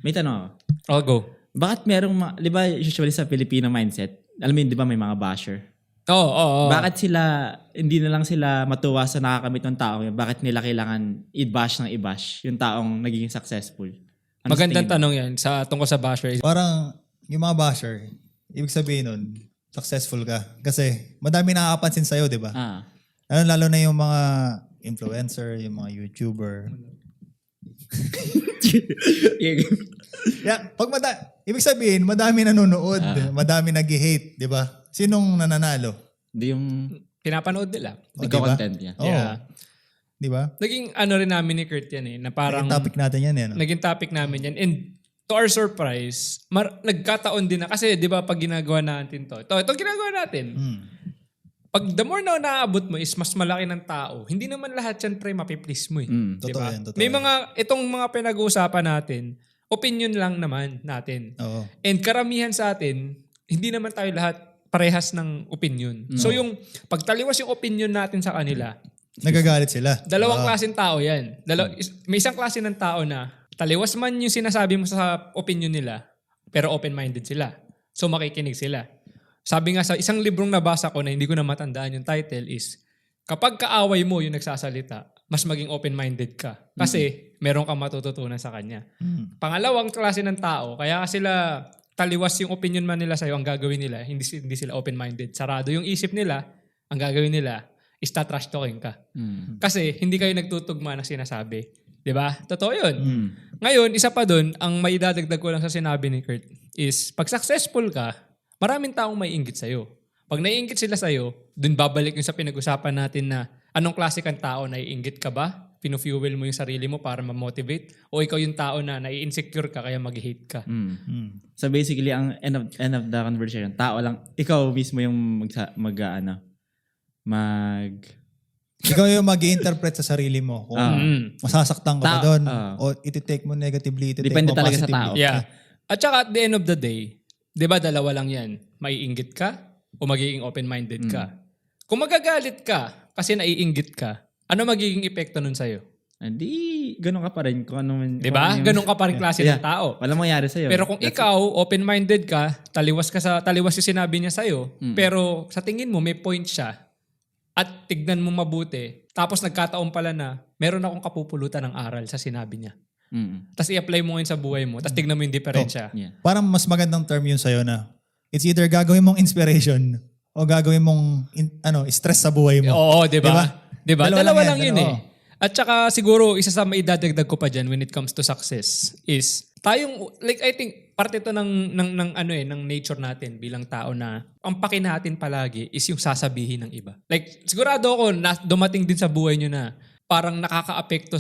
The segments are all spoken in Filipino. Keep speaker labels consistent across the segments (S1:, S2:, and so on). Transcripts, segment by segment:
S1: May tanong ako.
S2: I'll go.
S1: Bakit merong, di ba usually sa Filipino mindset, alam mo yun, di ba may mga basher?
S2: Oo.
S1: Bakit sila, hindi na lang sila matuwa sa nakakamit ng tao yun? Bakit nila kailangan i-bash ng i-bash yung taong naging successful? Ano
S2: Magandang tanong yan tungkol sa basher.
S3: Parang yung mga basher, ibig sabihin nun, successful ka. Kasi madami nakakapansin sa'yo, di ba? Lalo na yung mga influencer, yung mga YouTuber. Ibig sabihin, madami nanonood, madami nag-hate, di ba? Sinong nananalo?
S1: Di yung
S2: pinapanood nila.
S1: content niya.
S2: Yeah.
S3: Di ba?
S2: Naging rin namin ni Kurt yan na parang...
S3: Naging topic natin yan.
S2: Naging topic namin yan. And to our surprise, nagkataon din na, kasi di ba pag ginagawa natin ito ginagawa natin. Pag the more na naabot mo is mas malaki ng tao, hindi naman lahat yan mapiplease mo eh.
S3: Totoo yan.
S2: May itong mga pinag-uusapan natin, opinion lang naman natin.
S3: Oo.
S2: And karamihan sa atin, hindi naman tayo lahat parehas ng opinion. So yung pagtaliwas yung opinion natin sa kanila,
S3: nagagalit sila.
S2: Dalawang klaseng tao yan. May isang klase ng tao na taliwas man yung sinasabi mo sa opinion nila, pero open-minded sila. So makikinig sila. Sabi nga sa isang librong nabasa ko na hindi ko na matandaan yung title is, kapag kaaway mo yung nagsasalita, mas maging open-minded ka. Kasi meron kang matututunan sa kanya. Pangalawang klase ng tao, kaya sila taliwas yung opinion man nila sa'yo, ang gagawin nila, hindi sila open-minded. Sarado yung isip nila, ang gagawin nila is trash talking ka. Kasi hindi kayo nagtutugma ng sinasabi. Diba? Totoo yun. Ngayon, isa pa dun, ang maidadagdag ko lang sa sinabi ni Kurt is, pag successful ka, maraming taong may inggit sa'yo. Pag naiinggit sila sa'yo, dun babalik yung sa pinag-usapan natin na anong klase kang tao, naiinggit ka ba? Pinu-fuel mo yung sarili mo para ma-motivate? O ikaw yung tao na nai-insecure ka kaya mag-hate ka?
S1: So basically, ang end of the conversation, tao lang, ikaw mismo yung
S3: ikaw yung mag-i-interpret sa sarili mo kung masasaktan ka ba doon o iti-take mo negatively,
S1: depende
S3: mo
S1: talaga
S3: positively.
S1: sa tao.
S2: Yeah. At saka at the end of the day, di ba dalawa lang yan? Maiinggit ka o magiging open-minded ka? Kung magagalit ka kasi naiinggit ka, ano magiging epekto nun sa'yo?
S1: Hindi, ganun ka pa rin. Kung ano man,
S2: di ba? Ganun ka pa rin klase ng tao.
S1: Walang mangyari sa'yo.
S2: Pero kung ikaw, open-minded ka, taliwas yung sinabi niya sa'yo, pero sa tingin mo may point siya, at tignan mo mabuti, tapos nagkataon pala na meron akong kapupulutan ng aral sa sinabi niya. Tapos i-apply mo ngayon sa buhay mo, tapos tignan mo yung diferensya.
S3: Parang mas magandang term yun sa'yo na it's either gagawin mong inspiration o gagawin mong stress sa buhay mo.
S2: Oo, di ba? Diba? Dalawa lang yun eh.
S3: Oo.
S2: At saka siguro, isa sa maidadagdag ko pa dyan when it comes to success is, I think, parte ito ng nature natin bilang tao na ang paki natin palagi is yung sasabihin ng iba. Like, sigurado ako na dumating din sa buhay nyo na parang nakaka-apekto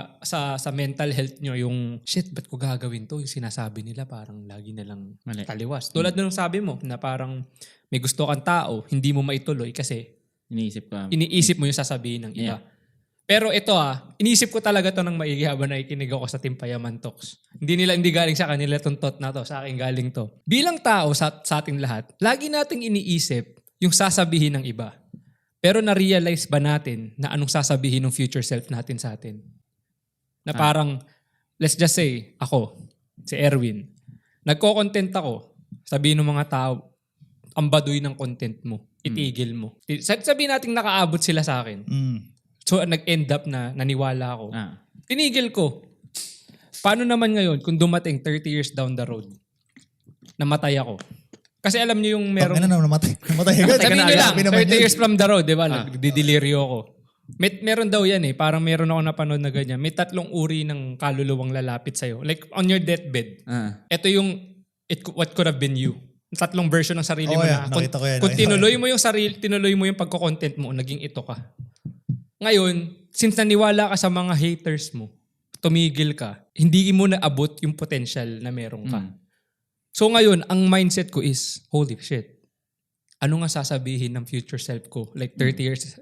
S2: sa mental health nyo yung, shit, ba't ko gagawin to? Yung sinasabi nila parang lagi nilang taliwas. Tulad nung sabi mo na parang may gusto kang tao, hindi mo maituloy kasi iniisip mo yung sasabihin ng iba. Pero ito iniisip ko talaga to ng maigi habang nakikinig ako sa Team Payaman Talks. Hindi galing sa kanila itong thought na to, sa akin galing to. Bilang tao sa ating lahat, lagi nating iniisip yung sasabihin ng iba. Pero na-realize ba natin na anong sasabihin ng future self natin sa atin? Na parang, let's just say, ako, si Erwin, nagko-content ako, sabihin ng mga tao, ang baduy ng content mo, itigil mo. Sabihin natin nakaabot sila sa akin. So, nag-end up na naniwala ako. Tinigil ko. Paano naman ngayon kung dumating 30 years down the road, namatay ako? Kasi alam niyo yung meron...
S3: namatay agad.
S2: Sabihin niyo lang, 30 years from the road, di ba? Nagdidelirio ako. Meron daw yan parang meron ako napanood na ganyan. May 3 uri ng kaluluwang lalapit sa'yo. Like, on your deathbed. Ito yung what could have been you. 3 version ng sarili mo na. Kung tinuloy mo yung pagko-content mo, naging ito ka. Ngayon, since naniwala ka sa mga haters mo, tumigil ka, hindi mo naabot yung potential na meron ka. So ngayon, ang mindset ko is, holy shit, ano nga sasabihin ng future self ko? Like 30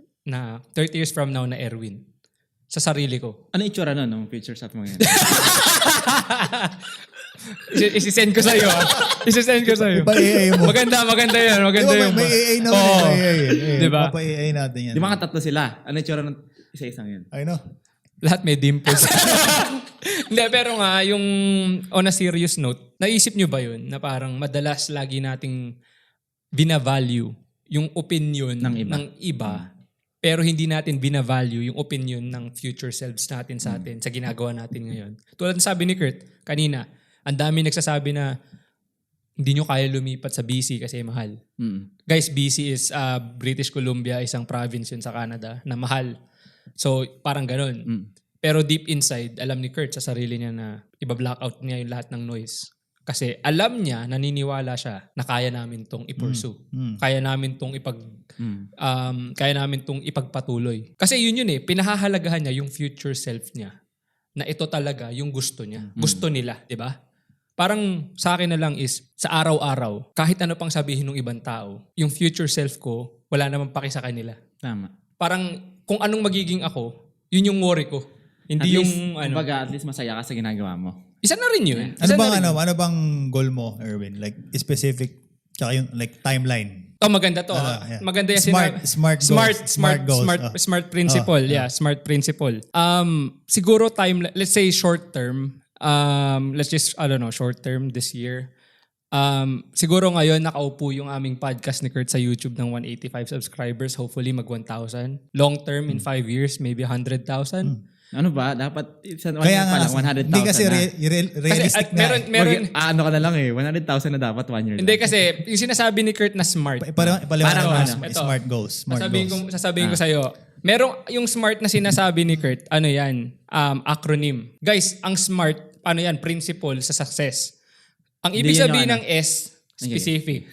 S2: years from now na Erwin. Sa sarili ko.
S1: Ano itsura ng future self mo yan?
S2: Isisend ko sa'yo.
S3: AI mo.
S2: Maganda yan.
S3: May AI na AI.
S2: Diba?
S3: Mapa-AI natin yan.
S1: Di ba 3 sila? Ano itsura ng isa-isang yan?
S3: I know.
S2: Lahat may dimples. Hindi, pero nga, yung on a serious note, naisip nyo ba yun na parang madalas lagi nating binavalue yung opinion ng iba pero hindi natin binavalue yung opinion ng future selves natin sa atin, sa ginagawa natin ngayon. Tulad ng sabi ni Kurt kanina, ang dami nagsasabi na hindi nyo kaya lumipat sa BC kasi mahal. Guys, BC is British Columbia, isang province yun sa Canada na mahal. So, parang ganun. Pero deep inside, alam ni Kurt sa sarili niya na iba-blackout niya yung lahat ng noise. Kasi alam niya, naniniwala siya na kaya namin tong i-pursue. Kaya namin tong kaya namin tong ipagpatuloy. Kasi yun pinahahalagahan niya yung future self niya. Na ito talaga yung gusto niya. Gusto nila, di ba? Parang sa akin na lang is, sa araw-araw, kahit ano pang sabihin ng ibang tao, yung future self ko, wala namang paki sa kanila.
S1: Tama.
S2: Parang kung anong magiging ako, yun yung worry ko. Hindi
S1: at
S2: yung
S1: least, kumbaga, at least masaya ka sa ginagawa mo.
S2: Isa na rin yun.
S3: Ano bang goal mo, Erwin? Like specific, tsaka yung like timeline.
S2: Maganda to.
S3: Yeah.
S2: Maganda yan.
S3: Smart goals.
S2: Smart principle. Smart principle. Siguro let's say short term. Let's just, short term this year. Siguro ngayon nakaupo yung aming podcast ni Kurt sa YouTube ng 185 subscribers. Hopefully mag 1,000. Long term in 5 years, maybe 100,000.
S1: Ano ba? Dapat
S3: kaya nga,
S1: 100,000
S3: hindi kasi
S1: na.
S3: realistic na.
S2: Meron,
S1: ka na lang 100,000 na dapat 1 year.
S2: Hindi kasi, yung sinasabi ni Kurt na smart.
S3: Smart goals.
S2: Sasabihin ko sa'yo, merong yung smart na sinasabi ni Kurt, ano yan? Acronym. Guys, ang smart, ano yan? Principle sa success. Ang ibig sabihin ng S, specific.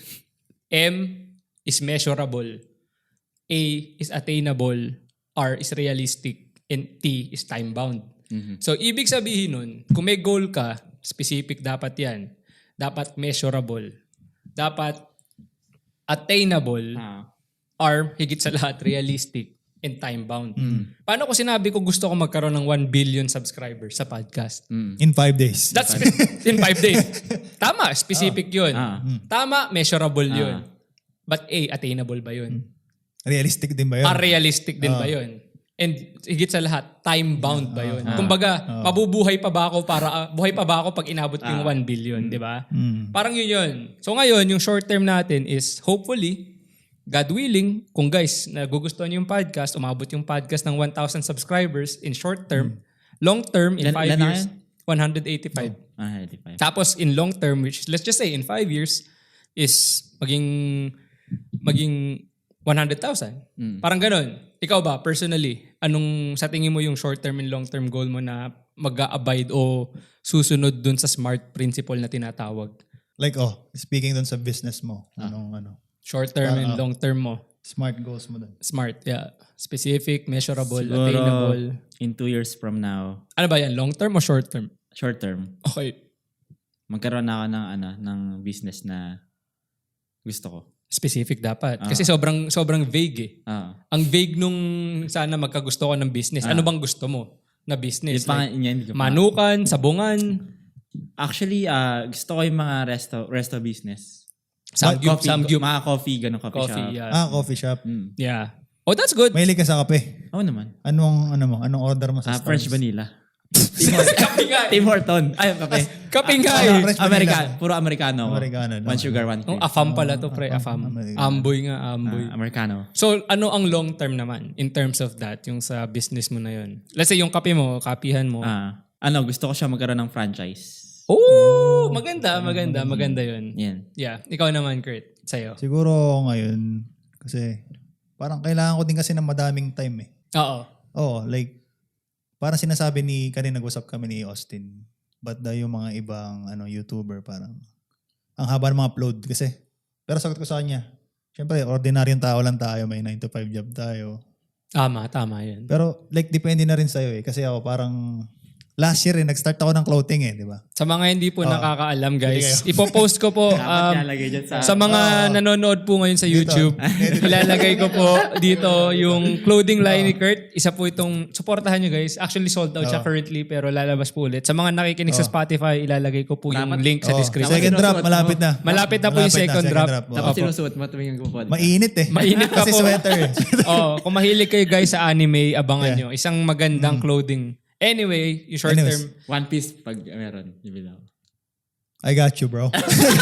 S2: M is measurable. A is attainable. R is realistic. And T is time-bound. So, ibig sabihin nun, kung may goal ka, specific dapat yan. Dapat measurable. Dapat attainable. R, higit sa lahat, realistic and time-bound. Paano ko sinabi ko gusto ko magkaroon ng 1 billion subscribers sa podcast?
S3: In 5 days.
S2: That's in 5 days. Tama, specific yun. Tama, measurable yun. But A, attainable ba yun?
S3: Realistic din ba yun?
S2: Realistic din ba yun? And higit sa lahat, time-bound ba yun? Kumbaga, mabubuhay pa ba ako buhay pa ba ako pag inabot ko yung 1 billion, di ba? Parang yun. So ngayon, yung short term natin is hopefully, God willing, kung guys, nagugustuhan niyo yung podcast, umabot yung podcast ng 1,000 subscribers in short term, long term, in 5 years, 185.
S1: 185.
S2: Tapos in long term, which let's just say in 5 years, is maging 100,000. Parang ganun. Ikaw ba, personally, anong sa tingin mo yung short-term and long-term goal mo na mag-a-abide o susunod dun sa SMART principle na tinatawag?
S3: Like, speaking dun sa business mo,
S2: Short-term and long-term mo.
S3: Smart goals mo dun.
S2: SMART, yeah. Specific, measurable,
S1: Siguro,
S2: attainable.
S1: in 2 years from now.
S2: Ano ba yan? Long-term o short-term?
S1: Short-term.
S2: Okay.
S1: Magkaroon na ako ng business na gusto ko.
S2: Specific dapat. Kasi sobrang vague eh. Ang vague nung sana magkagusto ko ng business. Ano bang gusto mo na business? Manukan, sabungan.
S1: Actually, gusto ko yung mga resto business.
S2: Samgyup.
S1: Mga coffee, ganun coffee shop.
S2: Yeah.
S3: Coffee shop.
S2: Yeah. Oh, that's good.
S3: Mahilig ka sa kape?
S1: Oo naman.
S3: Anong order mo sa Starbucks?
S1: French vanilla.
S2: Kapingay.
S1: Tim Horton. Ay, kape.
S2: Kapingay.
S1: Puro Americano.
S3: Americano.
S1: 1 sugar, 1 cream.
S2: Afam pala to, pre. Afam. Amboy nga, amboy.
S1: Americano.
S2: So, ano ang long term naman in terms of that, yung sa business mo na yun? Let's say, yung kape mo, kapihan mo.
S1: Gusto ko siya magkaroon ng franchise.
S2: Oh, maganda yun.
S1: Yan.
S2: Yeah. Ikaw naman, Kurt. Sa'yo.
S3: Siguro ngayon, kasi parang kailangan ko din kasi ng madaming time eh. Oo, like, parang sinasabi kanina nag-usap kami ni Austin, but yung mga ibang YouTuber parang ang haba ng mga upload kasi. Pero sagot ko sa kanya, syempre ordinaryong tao lang tayo, may 9 to 5 job tayo.
S2: Tama yun.
S3: Pero like depende na rin sa'yo eh. Kasi ako parang last year nag-start ako ng clothing di ba?
S2: Sa mga hindi po nakakaalam, guys, ipopost ko po
S1: Dapat nalagay dyan
S2: sa mga nanonood po ngayon sa YouTube. Ilalagay ko po dito yung clothing line ni Kurt. Isa po itong, supportahan nyo guys. Actually sold out siya currently pero lalabas po ulit. Sa mga nakikinig sa Spotify, ilalagay ko po yung link sa description.
S3: Second drop, malapit na.
S2: Malapit na po yung second drop.
S1: Tapos sinusuot mo tuwing nagpo-podcast.
S3: Mainit
S2: Mainit pa
S3: Kasi
S2: po.
S3: sweater.
S2: Kung mahilig kayo guys sa anime, abangan nyo. Isang magandang clothing. Anyway, yung short term.
S1: One Piece pag meron. Ibilaw.
S3: I got you, bro.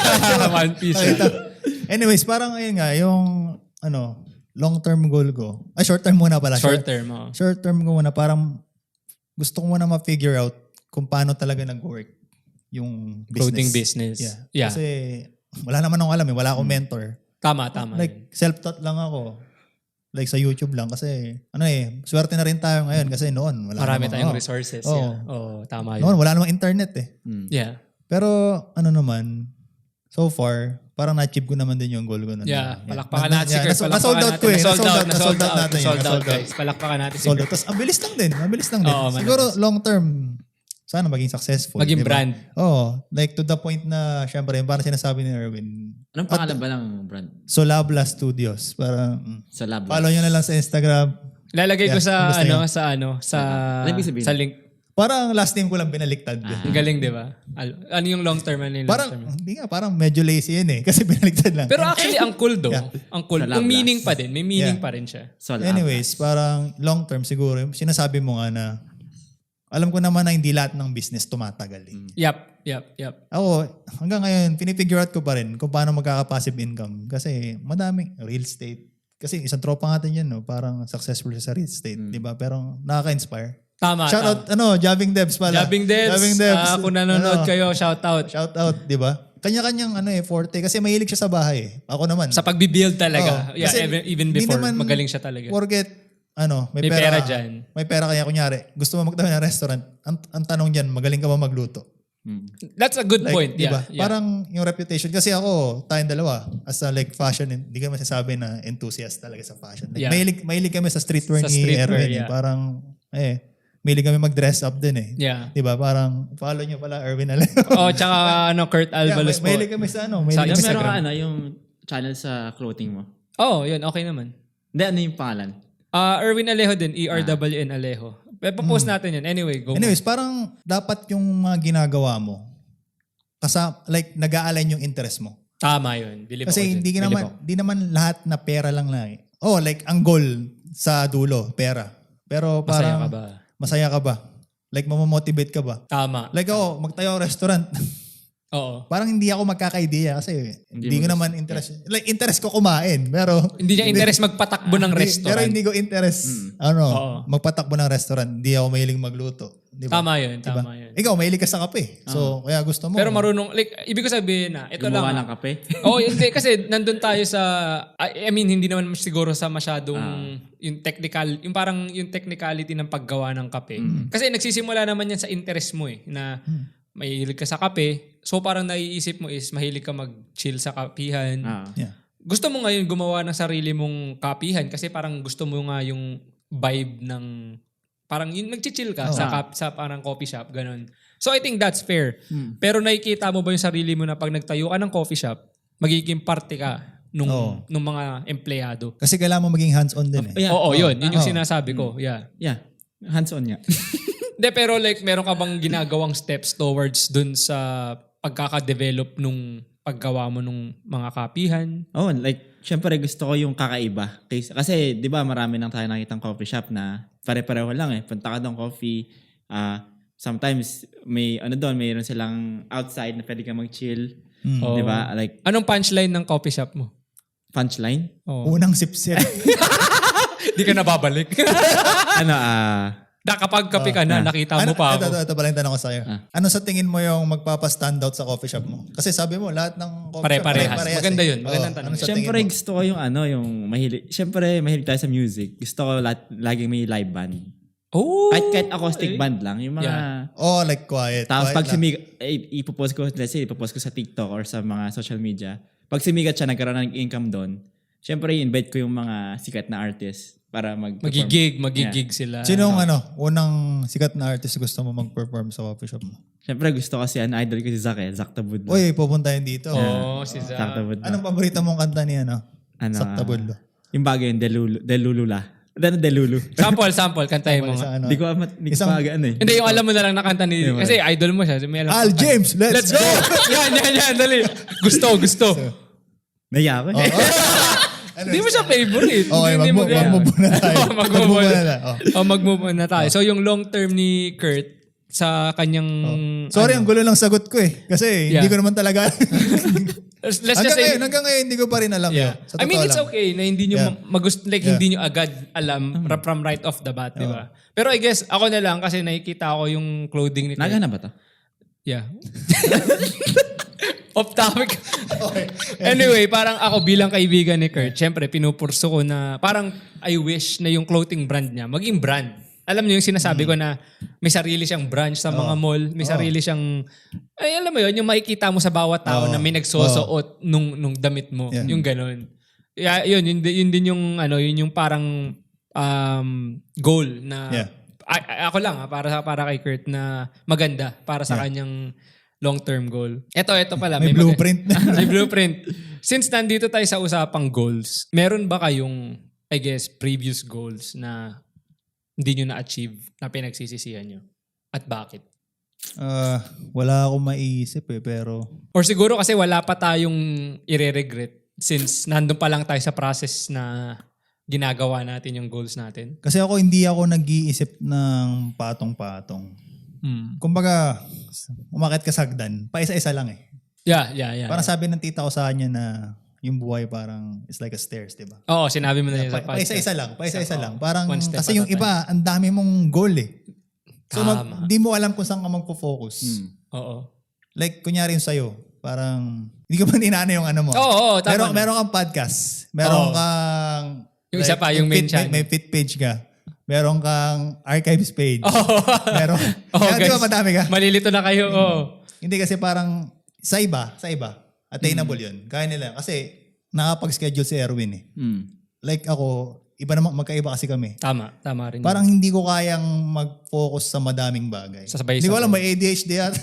S2: One Piece.
S3: Anyways, parang ayun nga, yung long-term goal ko. Short-term muna pala.
S2: Short term.
S3: Short-term ko muna, parang gusto ko muna ma-figure out kung paano talaga nag-work yung business.
S2: Clothing business. Yeah.
S3: Kasi wala naman akong alam Wala akong mentor.
S2: Tama.
S3: Like, self-taught lang ako. Like sa YouTube lang kasi swerte na rin tayo ngayon kasi noon wala
S2: Marami
S3: namang,
S2: tayong resources. Tama yun.
S3: Noon wala namang internet
S2: Yeah.
S3: Pero naman, so far, parang na-achieve ko naman din yung goal ko.
S2: Yeah, palakpakan natin si Kurt.
S3: Na-sold out ko
S2: Na-sold out
S3: natin.
S2: Sold out guys. Palakpakan natin si
S3: Sold out.
S2: Kurt.
S3: Tapos, ang bilis lang din.
S2: Oo,
S3: Siguro, long term, sana maging successful.
S2: Maging
S3: diba?
S2: brand.
S3: Like to the point na, syempre, parang sinasabi ni Erwin,
S1: Anong pangalan ba ng brand?
S3: Solabla Studios. Parang,
S1: Sa lab.
S3: follow nyo na lang sa Instagram.
S2: Lalagay ko sa
S3: gusto
S2: sa
S1: Ano ibig sabihin?
S2: sa link.
S3: Parang last name ko lang binaliktad.
S2: Ang galing, di ba? Ano yung long term? Ano yung long
S3: Parang,
S2: term?
S3: hindi nga, parang medyo lazy yan kasi binaliktad lang.
S2: Pero actually, ang cool though.
S3: Yeah.
S2: Ang cool.
S1: Sa
S2: Kung
S1: lab
S2: meaning pa din. May meaning
S3: Yeah.
S2: pa rin siya.
S1: So, lab.
S3: Anyways, parang long term siguro, sinasabi mo nga na, alam ko naman na hindi lahat ng business tumatagal.
S2: Yup.
S3: Ako, hanggang ngayon, pinifigure out ko pa rin kung paano magkaka-passive income. Kasi madaming real estate. Kasi isang tropa natin yan, parang successful siya sa real estate. Di ba? Pero nakaka-inspire.
S2: Tama.
S3: Shout out, Jabbing Devs pala.
S2: Jabbing Devs. Kung nanonood kayo, shout out.
S3: Shout out, di ba? Kanya-kanyang forte. Kasi mahilig siya sa bahay. Ako naman.
S2: Sa pagbibuild talaga.
S3: Kasi
S2: even
S3: hindi
S2: before,
S3: naman
S2: magaling siya talaga.
S3: Forget,
S2: May pera dyan.
S3: May pera kaya kunyari, gusto mo magtayo ng restaurant. Ang tanong dyan, magaling ka ba magluto?
S2: That's a good point.
S3: Diba?
S2: Yeah.
S3: Parang yung reputation. Kasi ako, tayong dalawa, as a fashion, hindi ka masasabi na enthusiast talaga sa fashion.
S2: Yeah.
S3: Mahilig kami sa streetwear
S2: Sa
S3: ni
S2: streetwear,
S3: Erwin.
S2: yeah.
S3: Parang, mahilig kami mag-dress up din
S2: Yeah.
S3: Diba? Parang, follow nyo pala, Erwin Alejo.
S2: Tsaka Kurt Alvalos po.
S3: Mahilig kami sa
S2: Sa
S1: Yung
S2: Instagram.
S1: meron ka yung channel sa clothing mo.
S2: Yun. Okay naman.
S1: Hindi, ano yung pangalan?
S2: Erwin Alejo din. ERWN Alejo. Papost natin yun. Anyway, go.
S3: Anyways, parang dapat yung mga ginagawa mo, nag-a-align yung interest mo.
S2: Tama yun. Believe
S3: Kasi
S2: ako
S3: hindi
S2: dyan.
S3: naman lahat na pera lang na ang goal sa dulo, pera. Pero parang masaya ka ba? Like, mamamotivate ka ba?
S2: Tama.
S3: Like ako, magtayo ako restaurant.
S2: Oo.
S3: Parang hindi ako magkaka-idea kasi hindi ko naman interest. Like, interest ko kumain. Pero
S2: Hindi niya interest magpatakbo ng restaurant.
S3: Pero hindi ko interest, magpatakbo ng restaurant. Hindi ako mahiling magluto. Diba?
S2: Tama yun.
S3: Diba?
S2: Tama yun.
S3: Ikaw, mahilig ka sa kape. So, kaya gusto mo.
S2: Pero marunong, ibig ko sabihin na, ito
S1: Gumawa
S2: lang.
S1: ng kape?
S2: Hindi. Kasi nandun tayo sa, hindi naman siguro sa masyadong yung technical, yung parang yung technicality ng paggawa ng kape. Kasi nagsisimula naman yan sa interest mo na mahilig ka sa kape. So parang naiisip mo is mahilig ka mag-chill sa kapihan.
S3: Yeah.
S2: Gusto mo ngayon gumawa ng sarili mong kapihan kasi parang gusto mo nga yung vibe ng parang yung nag-chill ka sa parang coffee shop, ganun. So I think that's fair. Pero nakikita mo ba yung sarili mo na pag nagtayo ka ng coffee shop, magiging parte ka nung mga empleyado?
S3: Kasi kailangan mo maging hands-on din
S1: Yeah.
S2: Oo, yun. Yun yung sinasabi ko. Yeah.
S1: Yeah. Hands-on nga.
S2: Hindi, pero meron ka bang ginagawang steps towards dun sa pagkaka-develop nung paggawa mo nung mga kapihan?
S1: Syempre gusto ko yung kakaiba. Kasi, di ba, marami nang tayo nakitang coffee shop na pare-pareho lang Punta ka doon coffee. Sometimes, mayroon silang outside na pwede ka mag-chill. Di ba? Like,
S2: Anong punchline ng coffee shop mo?
S1: punchline?
S3: Unang sip-sip.
S2: Di ka nababalik. Kapag kape ka na, nakita mo pa ako.
S3: Ito pala yung tanong ko sa'yo. Ano sa tingin mo yung magpapa-standout sa coffee shop mo? Kasi sabi mo, lahat ng coffee shop
S2: Pare-parehas. Maganda yun. Magandang tanong.
S3: Ano sa
S1: Syempre
S3: tingin mo?
S1: gusto ko yung mahilig. Syempre mahilig tayo sa music. Gusto ko laging may live band.
S2: Oh!
S1: Kahit acoustic band lang. Yung mga...
S3: Like quiet.
S1: Tapos
S3: quiet
S1: pag
S3: lang.
S1: ipopost ko sa TikTok or sa mga social media. Pag sumigat siya, nagkaroon ng income doon, syempre invite ko yung mga sikat na artist para mag-perform.
S2: Magigig sila.
S3: Sinong unang sikat na artist gusto mo mag-perform sa coffee shop mo?
S1: Syempre gusto ko idol ko si Zach Zach Tabudlo.
S3: Uy, pupuntahin dito.
S2: Si Zach.
S1: Zach Tabudlo.
S3: Anong paborito mong kanta niya, Sakta Budlo.
S1: Yung bagay yung Delulula. Delulu.
S2: Sample, kantahin mo nga.
S1: Hindi ko aga eh.
S2: Hindi, yung alam mo na lang na kanta ni... Kasi idol mo siya. May alam
S3: Al James, let's go!
S2: Yan, dali. Gusto.
S1: Naya ako.
S2: Hindi mo siya favorite.
S3: Okay, mag-move na tayo.
S2: Mag-move on na tayo. So yung long term ni Kurt sa kanyang...
S3: Sorry, ang gulo lang sagot ko eh. Kasi hindi ko naman talaga...
S2: Let's just say...
S3: Hanggang ngayon, hindi ko pa rin alam.
S2: Yeah.
S3: Sa
S2: I mean, it's
S3: lang.
S2: okay na hindi nyo hindi nyo agad alam from right off the bat, di ba? Pero I guess, ako na lang kasi nakikita ko yung clothing ni Kurt.
S1: Naga na ba to?
S2: Yeah. Off topic. Okay. Anyway, parang ako bilang kaibigan ni Kurt, syempre pinupurso ko na parang I wish na yung clothing brand niya maging brand. Alam niyo yung sinasabi ko na may sarili siyang branch sa mga mall, may sarili siyang alam mo yun, yung makikita mo sa bawat tao na may nagsosuot nung damit mo, yung ganun. Yun din yung yun yung parang goal na ako lang para kay Kurt na maganda para sa kanyang long-term goal. Ito pala.
S3: May blueprint.
S2: May blueprint. Since nandito tayo sa usapang goals, meron ba kayong, I guess, previous goals na hindi nyo na-achieve na pinagsisisihan nyo? At bakit?
S3: Wala akong maiisip pero...
S2: Or siguro kasi wala pa tayong ire-regret since nandun pa lang tayo sa process na ginagawa natin yung goals natin.
S3: Kasi hindi ako nag-iisip ng patong-patong. Kumbaga, umakit ka sa hagdan, paisa-isa lang eh.
S2: Yeah.
S3: Parang sabi ng tita ko sa kanya na yung buhay parang it's like a stairs, di ba?
S2: Oo, sinabi mo na yun sa podcast.
S3: Paisa-isa lang. Parang kasi yung
S2: at a
S3: iba, ang dami mong goal eh. So
S2: Tama.
S3: di mo alam kung saan ka magpo-focus.
S2: Oo.
S3: Like kunyari yung sa'yo, parang hindi ko pa ninana yung ano mo.
S2: Oo, tama.
S3: Meron kang podcast. Meron kang...
S2: Yung isa pa, yung main channel.
S3: May fit page ka. Meron kang archives page. Meron.
S2: Guys,
S3: di ba madami ka?
S2: Malilito na kayo.
S3: Hindi kasi parang sa iba, attainable yun. Kaya nila. Kasi nakapag-schedule si Erwin eh. Like ako, iba naman, magkaiba kasi kami.
S2: Tama rin.
S3: Parang hindi ko kayang mag-focus sa madaming bagay. Hindi ko alam, may ADHD at.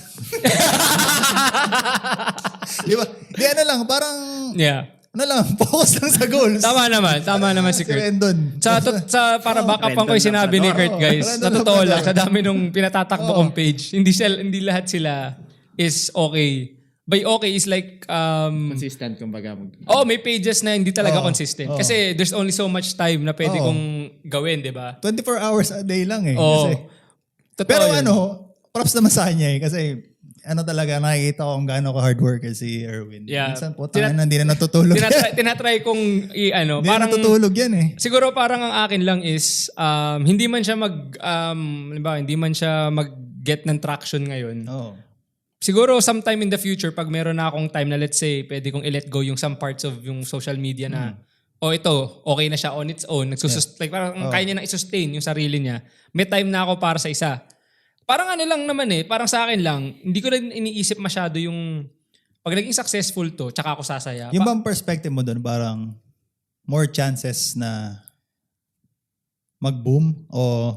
S3: Di ba? Di parang...
S2: Yeah.
S3: Focus lang sa goals.
S2: Tama naman si Kurt.
S3: Rendon.
S2: Sa para backup ko yung sinabi ni Kurt, guys. Sa totoo lang, sa dami nung pinatatakbo kong page, hindi lahat sila is okay. By okay is like...
S1: consistent kumbaga.
S2: may pages na hindi talaga consistent. Kasi there's only so much time na pwede kong gawin, di ba?
S3: 24 hours a day lang eh.
S2: Oo.
S3: Kasi, pero props naman sa kanya eh. Kasi talaga, nakikita ko kung gaano ka hard worker si Erwin.
S2: Yeah.
S3: Minsan po, hindi na natutulog.
S2: Tinatry kong
S3: Hindi na natutulog yan eh.
S2: Siguro parang ang akin lang is, hindi man siya mag-get ng traction ngayon.
S3: Oo.
S2: Siguro sometime in the future, pag meron na akong time na let's say, pwede kong i-let go yung some parts of yung social media na, ito, okay na siya on its own. Like parang kaya niya na i-sustain yung sarili niya. May time na ako para sa isa. Parang lang naman parang sa akin lang, hindi ko rin iniisip masyado yung pag naging successful to, tsaka ako sasaya.
S3: Yung bang perspective mo doon, parang more chances na mag-boom o...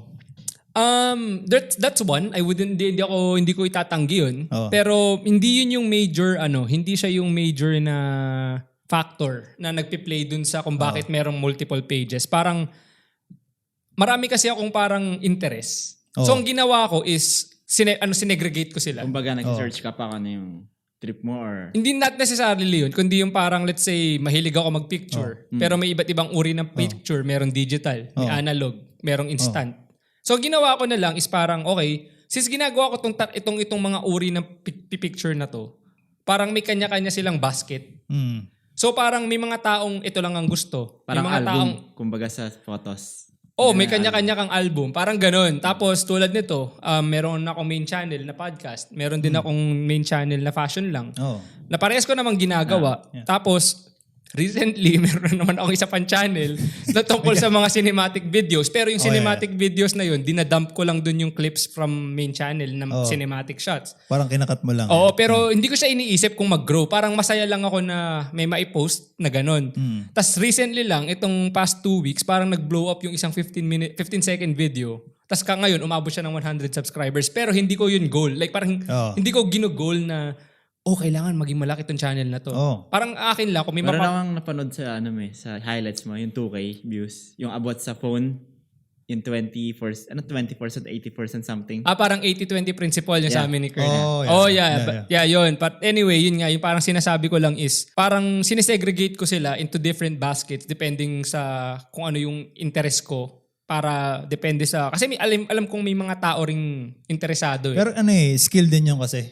S2: That's one. Hindi ko itatanggi yun.
S3: Oh.
S2: Pero hindi yun yung major, hindi siya yung major na factor na nagpi-play dun sa kung bakit merong multiple pages. Parang, marami kasi akong parang interest. So, ang ginawa ko is, sinegregate ko sila.
S1: Kumbaga, nag-search ka pa kung ano yung trip mo or...
S2: Hindi not necessarily yun, kundi yung parang, let's say, mahilig ako mag-picture. Pero may iba't ibang uri ng picture. Merong digital, may analog, merong instant. So, ginawa ko na lang is parang, okay, since ginagawa ko itong mga uri ng picture na to, parang may kanya-kanya silang basket. So, parang may mga taong ito lang ang gusto.
S1: Parang
S2: may mga
S1: album,
S2: taong,
S1: kumbaga sa photos.
S2: may kanya-kanya kang album. Parang ganun. Tapos tulad nito, meron akong main channel na podcast. Meron din akong main channel na fashion lang.
S3: Oh.
S2: Na parehas ko namang ginagawa. Tapos, recently, meron naman akong isa pang channel na tungkol sa mga cinematic videos. Pero yung cinematic videos na yun, dinadump ko lang dun yung clips from main channel na cinematic shots.
S3: Parang kinakat mo lang.
S2: Oo, pero hindi ko siya iniisip kung mag-grow. Parang masaya lang ako na may maipost na ganun. Tapos recently lang, itong past 2 weeks, parang nag-blow up yung isang 15-second video. Tapos ngayon, umabot siya ng 100 subscribers. Pero hindi ko yun goal. Like parang hindi ko gino-goal na kailangan maging malaki tong channel na to. Parang akin lang, kung may
S1: Meron akong napanood sa sa highlights mo, yung 2K views, yung about sa phone, yung 24%, 80% something.
S2: Parang 80-20 principle yung sa amin ni Kern.
S3: Yeah.
S2: Yun. But anyway, yun nga, yung parang sinasabi ko lang is, parang sinesegregate ko sila into different baskets depending sa kung ano yung interest ko. Para depende sa, kasi alam kong may mga tao ring interesado.
S3: Pero skill din yun kasi,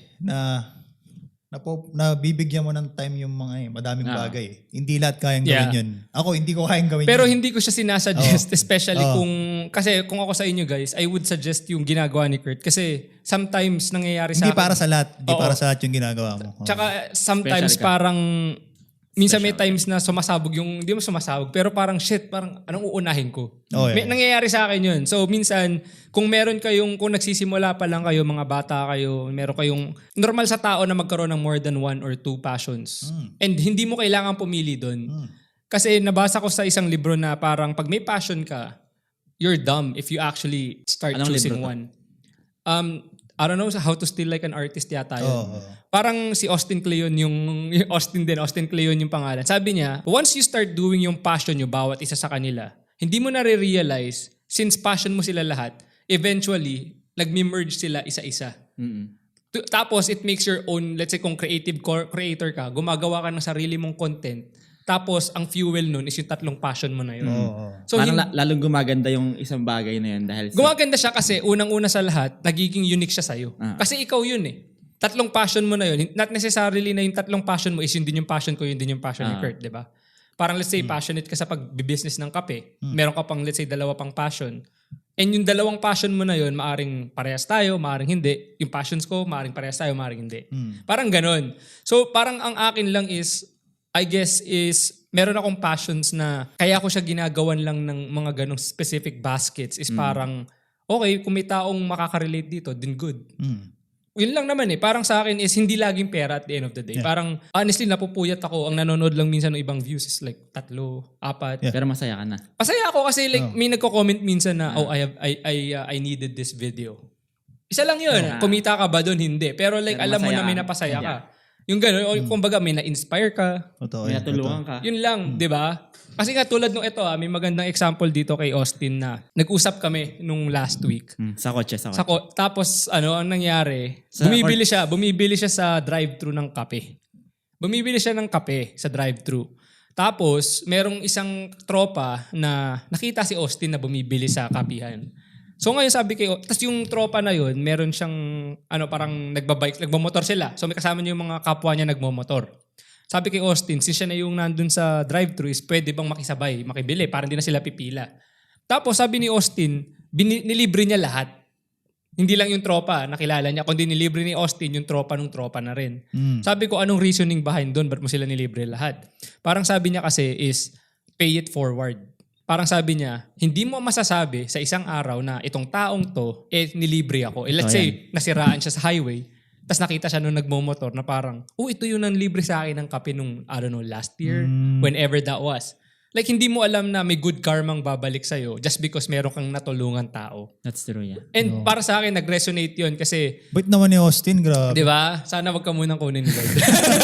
S3: na bibigyan mo ng time yung mga madaming bagay. Hindi lahat kayang gawin yun. Ako, hindi ko kayang gawin
S2: Pero
S3: yun.
S2: hindi ko siya sinasuggest, especially kasi kung ako sa inyo guys, I would suggest yung ginagawa ni Kurt. Kasi sometimes nangyayari sa
S3: Hindi
S2: akin.
S3: para sa lahat. Hindi para sa lahat yung ginagawa mo.
S2: Tsaka sometimes parang, minsan may times na sumasabog yung, hindi mo sumasabog, pero parang parang anong uunahin ko? Nangyayari sa akin yun. So minsan, kung nagsisimula pa lang kayo, mga bata kayo, meron kayong, normal sa tao na magkaroon ng more than 1 or 2 passions. And hindi mo kailangan pumili doon. Kasi nabasa ko sa isang libro na parang pag may passion ka, you're dumb if you actually start choosing one. I don't know how to steal like an artist yata yun. Parang si Austin Kleon Austin Kleon yung pangalan. Sabi niya, once you start doing yung passion nyo, bawat isa sa kanila, hindi mo na re-realize, since passion mo sila lahat, eventually, nag-merge sila isa-isa. Tapos, it makes your own, let's say kung creative creator ka, gumagawa ka ng sarili mong content. Tapos, ang fuel nun is yung 3 passion mo na yun.
S1: So, parang lalong gumaganda yung isang bagay na yun dahil
S2: gumaganda siya kasi unang-una sa lahat, nagiging unique siya sa'yo. Kasi ikaw yun 3 passion mo na yun. Not necessarily na yung 3 passion mo is yun din yung passion ko, yun din yung passion ni Kurt, di ba? Parang let's say passionate ka sa pag-business ng kape. Meron ka pang let's say 2 pang passion. And yung 2 passion mo na yun, maaring parehas tayo, maaring hindi. Yung passions ko, maaring parehas tayo, maaring hindi. Parang ganun. So parang ang akin lang is, I guess is, meron akong passions na kaya ko siya ginagawan lang ng mga ganong specific baskets is parang, okay, kung may taong makaka-relate dito, then good. Yun lang naman parang sa akin is hindi laging pera at the end of the day. Parang, honestly, napupuyat ako. Ang nanonood lang minsan ng ibang views is like 3, 4.
S1: Pero masaya ka na.
S2: Masaya ako kasi like may nagko-comment minsan na, I needed this video. Isa lang yun. Kumita ka ba doon? Hindi. Pero like, alam mo na may napasaya ka. Yung gano'n, o kumbaga may na-inspire ka.
S1: May natulungan ka.
S2: Yun lang, di ba? Kasi nga tulad nung ito, may magandang example dito kay Austin na nag-usap kami nung last week.
S1: Sa kotse.
S2: Tapos ang nangyari, bumibili siya sa drive-thru ng kape. Bumibili siya ng kape sa drive-thru. Tapos, merong isang tropa na nakita si Austin na bumibili sa kapihan. So ngayon sabi kayo, tas yung tropa na yun, meron siyang parang nagmamotor sila. So may kasama niya yung mga kapwa niya nagmamotor. Sabi kay Austin, since siya na yung nandun sa drive-thru, is pwede bang makibili para hindi na sila pipila. Tapos sabi ni Austin, nilibre niya lahat. Hindi lang yung tropa, nakilala niya, kundi nilibre ni Austin yung tropa ng tropa na rin. Sabi ko, anong reasoning behind doon? Ba't mo sila nilibre lahat? Parang sabi niya kasi is, pay it forward. Parang sabi niya, hindi mo masasabi sa isang araw na itong taong to, nilibre ako. Let's say, nasiraan siya sa highway, tapos nakita siya nung nagmomotor na parang, ito yung nanlibre sa akin ng kape nung, last year, whenever that was. Like, hindi mo alam na may good karmang babalik sa'yo just because meron kang natulungan tao.
S1: That's true, yeah.
S2: And para sa akin, nag-resonate yun kasi...
S3: Bait naman ni Austin, grabe.
S2: Di ba? Sana wag ka munang kunin ni Lord.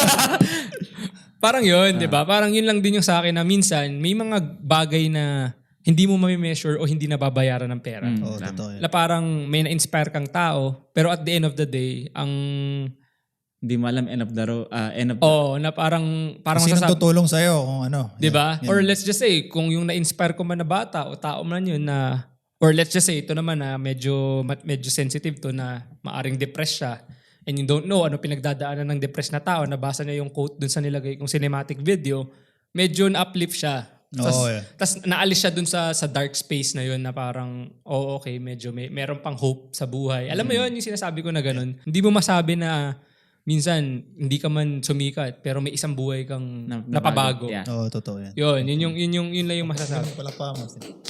S2: Parang yun, di ba? Parang yun lang din yung sa akin na minsan may mga bagay na hindi mo mami-measure o hindi nababayaran ng pera.
S3: Totoo.
S2: Na parang may na-inspire kang tao, pero at the end of the day, ang...
S1: Hindi mo alam end of the road.
S2: Na parang
S3: Sino tutulong sa'yo kung
S2: di ba? Or let's just say, kung yung na-inspire ko man na bata o tao man yun na... Or let's just say, ito naman na medyo sensitive to na maaring depressed siya. And you don't know ano pinagdadaanan ng depressed na tao, nabasa niya yung quote dun sa nilagay kong cinematic video, medyo na-uplift siya. Tapos naalis siya dun sa dark space na yun na parang, okay, medyo meron pang hope sa buhay. Alam mo yun, yung sinasabi ko na ganun. Hindi mo masabi na minsan hindi ka man sumikat pero may isang buhay kang napabago.
S1: Yeah.
S3: Oo, totoo yan.
S2: Yun lang yung masasabi.
S3: Pala pa mo.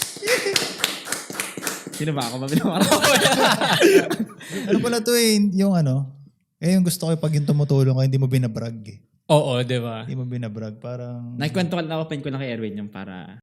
S1: Sino ba ako? Mabinawarap.
S3: Ano pala to yung yung gusto ko pag yung tumutulong ka, hindi mo binabrag eh.
S2: Oo, di ba?
S3: Hindi mo binabrag. Parang...
S1: Nakikwento ko, na-open ko lang kay Erwin yung para